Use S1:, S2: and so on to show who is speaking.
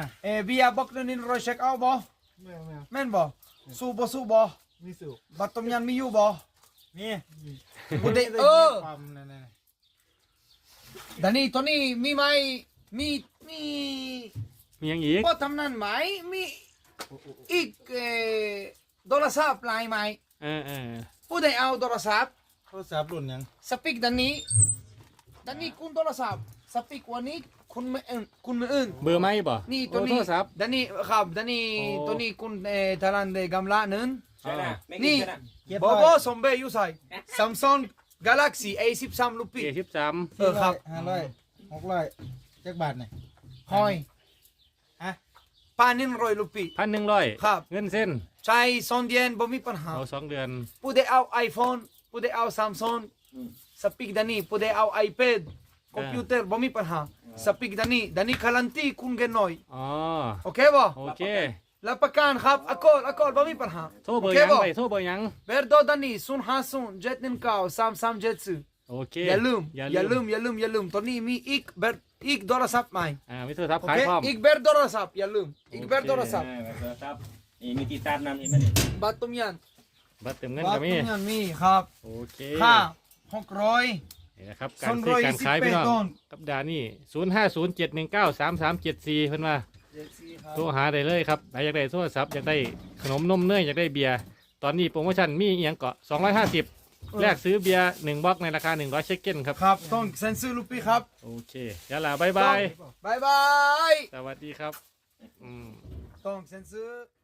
S1: น่ะ
S2: เบียร์บอกเดี๋ยวนี้รอยเช็คเอาบ่
S1: ไม่เอา
S2: แม่นบ่สู้บ่
S1: มีสูบ
S2: บัตรต้มยำมีอยู่บ่
S1: มี
S2: บุเด
S1: ความนั่น
S2: ดานี่ตัวนี้มีไหมมี
S3: มีอย่างอีก
S2: ก็ทำนั่นไหมมีอีกโทรศัพท์ลายไหม
S3: เออ
S2: ผู้ใดเอาโทรศัพท์
S1: โทรศัพท์รุ่นยัง
S2: สปีกดานี่คุณโทรศัพท์สปีกวันนี้คุณไม่อื่น
S3: เบอร์ไหมบ่
S2: นี่ตัว
S3: โท
S2: นี้
S3: รศัพท์
S2: ดานี่ครับดานี่
S3: โอ้
S2: ตัวนี้คุณทารันเดกำละนึง นี่
S1: เก็บ
S2: บ่บ่สมเบยอยู่ใส่ Samsung Galaxy A13 ลูกพี่
S3: A13
S2: ครับ
S1: 500 600จักบาทนี่
S2: หอย
S1: ฮะ
S2: ป้า100ลูกพี่
S3: 1,100
S2: ครับ
S3: เงินเส้น
S2: ใช้2 เดือนบ่มีปัญหา
S3: เอา2 เดือน
S2: ผู้ใดเอา iPhone ผู้ใดเอา Samsung สปีกดานี่ผู้ใดเอา iPad คอมพิวเตอร์บ่มีปัญหาสปีกดานี่การันตีคุณเงินหน่อย
S3: อ๋อ
S2: โอเคบ่
S3: โอเค
S2: รับประกันครับอากอลบ่มีปัญหา
S3: โทรเบอร์
S2: โค
S3: ยัง
S2: บ่
S3: ไปโทรเบอร์ยัง
S2: เบอร์โดดานี่050 719 3374
S3: โอเค
S2: อย่าลืมตอนนี้มีอีกโทรศัพท์ใหม่
S3: มีโทรศัพท์
S2: โอ
S3: ขาย
S2: เค
S3: พร้อม
S2: อีกเบอร์โทรศัพท์อย่าลืมอีกเบอร์โทรศัพท์
S4: ครับมีติดตามนำเห็นไหมเนี่ย
S2: บัตรต้มย
S3: บัตรเติมเงิน
S2: ำบั
S3: ก็
S2: ตร
S3: มี
S2: ต้มยำมีครับ
S3: โอเค
S2: ค่า600
S3: นี่นะครับการซื้อการขายพี่น้อง
S2: 228ต้น
S3: กับดานี่0507193374เพิ่นว่าโทรหาได้เลยครับใครอยากได้โทรศัพท์อยากได้ขนมนมเนยอยากได้เบียร์ตอนนี้โปรโมชั่นมีอีหยังเกาะ250แลกซื้อเบียร์1บล็อกในราคา100เชคเก้นครับ
S2: ครับต้องเซ็นซื้อลูกพี่ครับ
S3: โอเคยาลาบายบาย
S2: บายบาย
S3: สวัสดีครับ
S2: ต้องเซ็นซื้อ